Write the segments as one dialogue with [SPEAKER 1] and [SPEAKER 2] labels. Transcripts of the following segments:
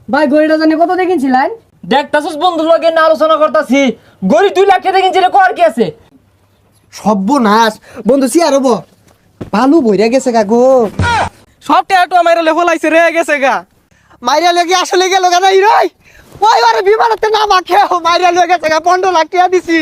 [SPEAKER 1] ভাই গড়িটা জানি কত দেখিনছিলেন?
[SPEAKER 2] দেখতাছস বন্ধুর লগে না আলোচনা করতাছি, গড়ি 2 লাখ টাকা দেখিনছিলে কর কি আছে?
[SPEAKER 3] সর্বনাশ বন্ধু সিয়ার হবো ভালো বইরা গেছে গা গো।
[SPEAKER 4] সব টেটো মাইরা লে ফলাইছে রে গেছে গা।
[SPEAKER 3] মাইরা লেগে আসলে গেল গা নাই রই ওই আরে বিমানতে না মাখে মাইরা লেগে গেছে গা 15 লাখ টাকা দিছি।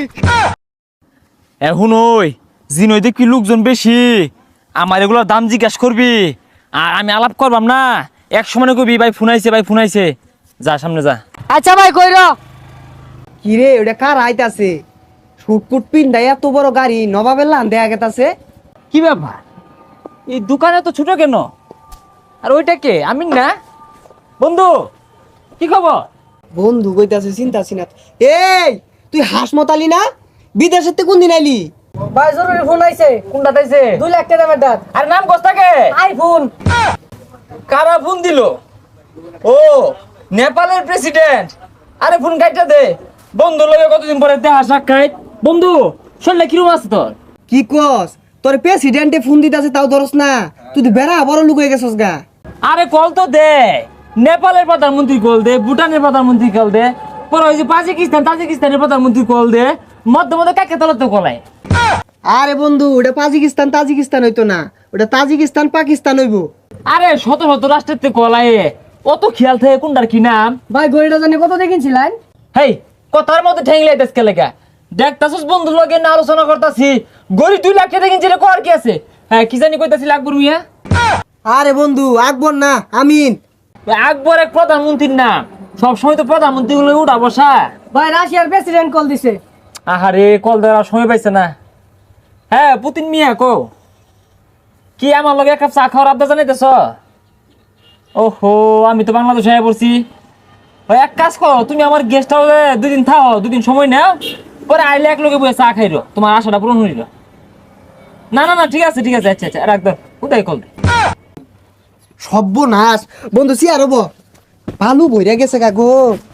[SPEAKER 2] এখন ওই জিনই দেখি লোকজন বেশি, আমার এগুলোর দাম জিজ্ঞাস করবি আর আমি আলাপ করবাম না। এক সময় কবি ভাই ফোনাইছে যা সামনে যা।
[SPEAKER 1] আচ্ছা ভাই কইর।
[SPEAKER 3] কি রে ওটা কার আইতাছে? শুটকুট পিন্ডা এত বড় গাড়ি নবাবের লান দেয়া গেতাছে।
[SPEAKER 2] কি ব্যাপার, এই দোকানে তো ছোট কেন? আর ওইটা কে? আমি না বন্ধু, কি খবর?
[SPEAKER 3] বন্ধু কইতাছে চিন্তা সিনা। এই তুই হাসমতালি না? বিদেশের তে কোন দিন আইলি?
[SPEAKER 1] ভাই জরুরি ফোন আইছে।
[SPEAKER 2] কোনটা তাইছে?
[SPEAKER 1] 2 লাখ টাকা দাম।
[SPEAKER 2] আর নাম কস্তাকে?
[SPEAKER 1] আইফোন।
[SPEAKER 2] কারা ফোন দিল? ও নেপালের প্রেসিডেন্ট। আরে ফোন কাইটা দে। বন্ধু লগে কতদিন পরে দেখা সাক্ষাৎ। বন্ধু শুনলে কিরম আছে তোর?
[SPEAKER 3] কি কস? তোর প্রেসিডেন্টে ফোন দিতাছে তাও ধরস না? তুই তো বেড়া বড় লুক হয়ে গেছস গা।
[SPEAKER 2] আরে কল তো দে। নেপালের প্রধানমন্ত্রী কল দে, ভুটানের প্রধানমন্ত্রী কল দে, পরে ওই যে তাজিকিস্তানের প্রধানমন্ত্রী কল দে, মধ্যে কাকে তলত কলায়।
[SPEAKER 3] আরে বন্ধু ওটা তাজিকিস্তান হইতো না, ওটা তাজিকিস্তান পাকিস্তান হইবো।
[SPEAKER 2] আরে শত রাষ্ট্রের তে কলায় অত খেয়াল থাকে কোনটার কি নাম।
[SPEAKER 1] ভাই গড়িটা জানি কত দেখিনছিলেন?
[SPEAKER 2] হেই কথার মধ্যে ঠেংলে দেশকে লেখা দেখতাছস বন্ধুর লগে না আলোচনা করতাছি, গড়ি 2 লাখ টাকা কিনছিলে কর কি আছে? হ্যাঁ কি জানি কইতাছিল আকবর মিয়া।
[SPEAKER 3] আরে বন্ধু আকবর না আমিন।
[SPEAKER 2] আকবর এক প্রধানমন্ত্রীর নাম, সবসময় তো প্রধানমন্ত্রী গুলো উঠা বসা।
[SPEAKER 1] ভাই রাশিয়ার প্রেসিডেন্ট কল দিছে।
[SPEAKER 2] আহারে কল দেওয়ার সময় পাইছে না। হ্যাঁ পুতিন মিয়া কো কি আমার লগে এক কাপ চা খাওয়ার আবদা জানাইতেছ? ওহো আমি তো বাংলাদেশে আয়া পড়ছি। ওই এক কাজ করো, তুমি আমার গেস্ট হাউসে 2 দিন থাও, 2 দিন সময় নাও, পরে আইলে এক লগে বসে চা খাইরো, তোমার আশাটা পূরণ হইল। না ঠিক আছে আচ্ছা রাখ দাও, উদয় কল দে।
[SPEAKER 3] সর্বনাশ বন্ধু সিয়ার হবো ভালো বইরা গেছে গা গো।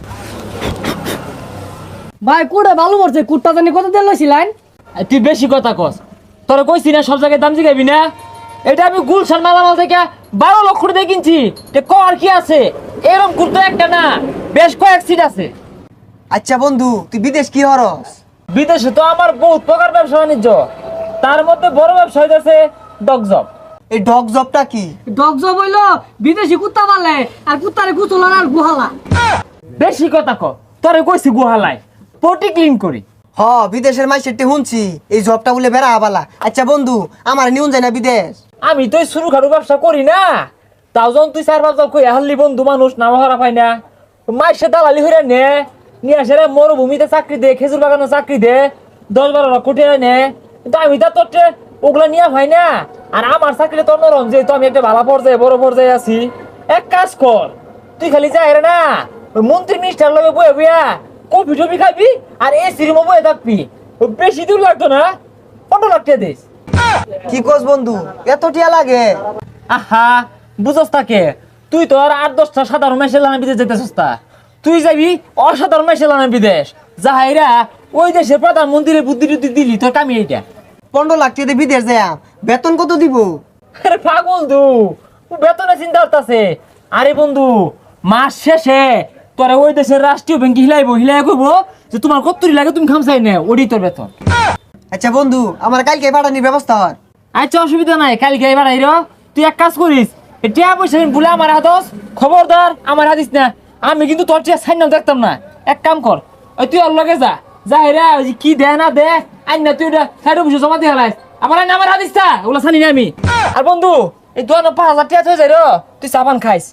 [SPEAKER 1] ভাই কুড়ে ভালো করছে। কুটটা জানি কত দেন লইছিলেন?
[SPEAKER 2] তুই বেশি কথা কস, তোরা কইছি না সব জায়গায় দাম জিগাবি না। এটা আমি গুলশান মালামাল থেকে 12 লক্ষ দিয়ে কিনছি, কর কি আছে? এরকম কুর্তো একটা না, বেশ কয়েক সিট আছে।
[SPEAKER 3] আচ্ছা বন্ধু তুই বিদেশ কি হরস?
[SPEAKER 2] বিদেশে তো আমার বহুত প্রকার ব্যবসা বাণিজ্য, তার মধ্যে বড় ব্যবসা হইতেছে ডগজব।
[SPEAKER 3] এই ডগ জবটা কি?
[SPEAKER 1] ডগ জব হইলো বিদেশি কুত্তা পালে আর কুত্তারে গুছলার আর গুহালা।
[SPEAKER 2] বেশি কথা ক, তোরে কইছি গুহালায় পটি ক্লিন করি।
[SPEAKER 3] হ বিদেশের মাইসেরটি শুনছি এই জবটা বলে বেড়া বালা। আচ্ছা বন্ধু আমার নিউন যায় না বিদেশ?
[SPEAKER 2] আমি তো শুরু খাটু ব্যবসা করি না, তাও যখন তুই 4-5 জন কই হাল্লি বন্ধু মানুষ নাম হারা পাই না, মাইসে দালালি হইরা নিয়ে আসে রে মরুভূমিতে চাকরি দে, খেজুর বাগানে চাকরি দে, 10-12 লাখ কোটি নে। কিন্তু আমি তো তোর ওগুলা নিয়ে হয় না। আর আমার চাকরি তোর নরম, যেহেতু আমি একটা ভালো পর্যায়ে বড় পর্যায়ে আছি। এক কাজ কর, তুই খালি যাই না ওই মন্ত্রী মিনিস্টার লগে বয়ে বইয়া কফি টফি খাবি আর এসি রুমে বয়ে থাকবি। বেশি দূর লাগতো না, 15 লাখ টাকা দিস।
[SPEAKER 3] কি কস বন্ধু এত টিয়া লাগে?
[SPEAKER 2] আহা বুঝস তাকে, তুই তো আর 8-10টা সাধারণ মেশে লানা বিদেশ যেতে সস্তা, তুই যাবি অসাধারণ মেশে লানা বিদেশ। যাহাইরা ওই দেশের প্রধানমন্ত্রীর বুদ্ধি টুদ্ধি দিলি তোর কামি এইটা।
[SPEAKER 3] 15 লাখ টাকা দিয়ে বিদেশ যায় বেতন কত দিব?
[SPEAKER 2] আরে পাগল তু, বেতনে চিন্তা করতেছে। আরে বন্ধু মাস শেষে তোরা ওই দেশের রাষ্ট্রীয় ব্যাংকে হিলাই কইবো যে তোমার কত্তরি লাগে তুমি খামসাই নে, ওডি তোর বেতন।
[SPEAKER 3] আচ্ছা বন্ধু আমার কালকে পাঠানির ব্যবস্থা হয়?
[SPEAKER 2] আচ্ছা অসুবিধা নাই, কালকে এবার আইরো। তুই এক কাজ করিস, টিয়া পয়সা বলে আমার হাতস, খবরদার আমার হাতিস না। আমি কিন্তু তোর টিয়া সাইন দেখতাম না। এক কাম কর, ওই তুই ওর লগে যা হেরা কি দে না দে আইন না, তুই ওটা সাইডে বসে জমা দিয়ে হালাইস। আমার হাতিস তা ওগুলো জানি না আমি। আর বন্ধু এই 5,000 টাকা হয়ে যায় রো, তুই চাপান খাইস।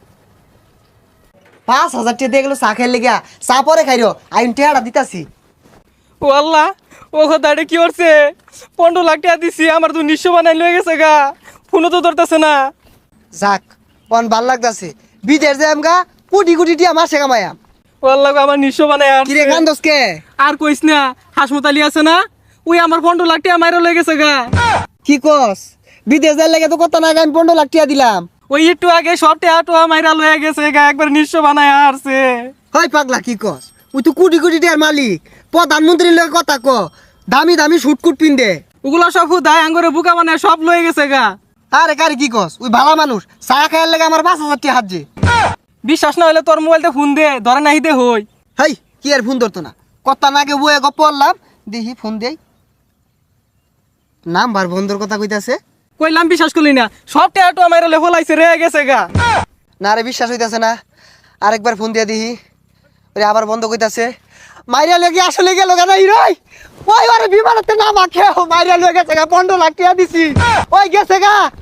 [SPEAKER 3] 5,000 টাকা দিয়ে গেলো চা খাই লেগা, চা পরে খাইরো আইন টেহাটা দিতাছি।
[SPEAKER 4] ও আল্লাহ, ও কথাটা কি করছে? 15 লাখ টাকা দিছি, আমার তো নিঃস্ব বানাই লয়ে গেছে গা। ফোনও তো ধরতেছে না।
[SPEAKER 3] যাক পন ভাল লাগতাছে, বিদেশ যাই আমগা কোটি কোটি টিয়া মাসে কামায়াম।
[SPEAKER 4] ও আল্লাহ আমার নিঃস্ব বানাই আর
[SPEAKER 3] কিরে কান্দস কে?
[SPEAKER 4] আর কইস না, হাসমতালি আছে না, ওই আমার 15 লাখ টাকা মাইরা লয়ে গেছে গা।
[SPEAKER 3] কি কস? বিদেশ যাই লাগে তো কত না আমি 15 লাখ টাকা দিলাম।
[SPEAKER 4] ওই একটু আগে সব টাকা মাইরা লয়ে গেছে গা, একবার নিঃস্ব বানাই আসছে।
[SPEAKER 3] হয় পাগলা কি কস? ওই তো কোটি কোটি টিয়ার মালিক, প্রধানমন্ত্রীর লগে কথা ক, দামি দামি শুটকুট পিন্দে।
[SPEAKER 4] ওগুলো সব হুদায় আঙ্গরে বুকা বানায় সব লয়ে গেছে গা।
[SPEAKER 3] আরে কারি কি কস? ওই ভালা মানুষ চা খাইয়ার লাগে আমার 5,000 টাকা হাত যে।
[SPEAKER 4] বিশ্বাস না হলে তোর মোবাইলতে ফোন দে ধরে নাহি দে হই
[SPEAKER 3] হেই কি আর ফোন ধরতো না কথা নাগে বয়ে গপ পড়লাম দেখি ফোন দেই নাম্বার বন্ধুর কথা কইতাছে
[SPEAKER 4] কইলাম বিশ্বাস করলি না সব টেয়াটো আমার লেফলাইছে রে গেছে গা
[SPEAKER 3] না রে বিশ্বাস হইতাছে না আরেকবার ফোন দিয়া দিহি ওরে আবার বন্ধ কইতাছে মাইরা লেগে আসলে গেল কেন হিরোই ওই আরে বিমানতে না মাখে মাইরা লয়ে গেছে গা 15 লাখ টাকা দিছি ওই গেছে গা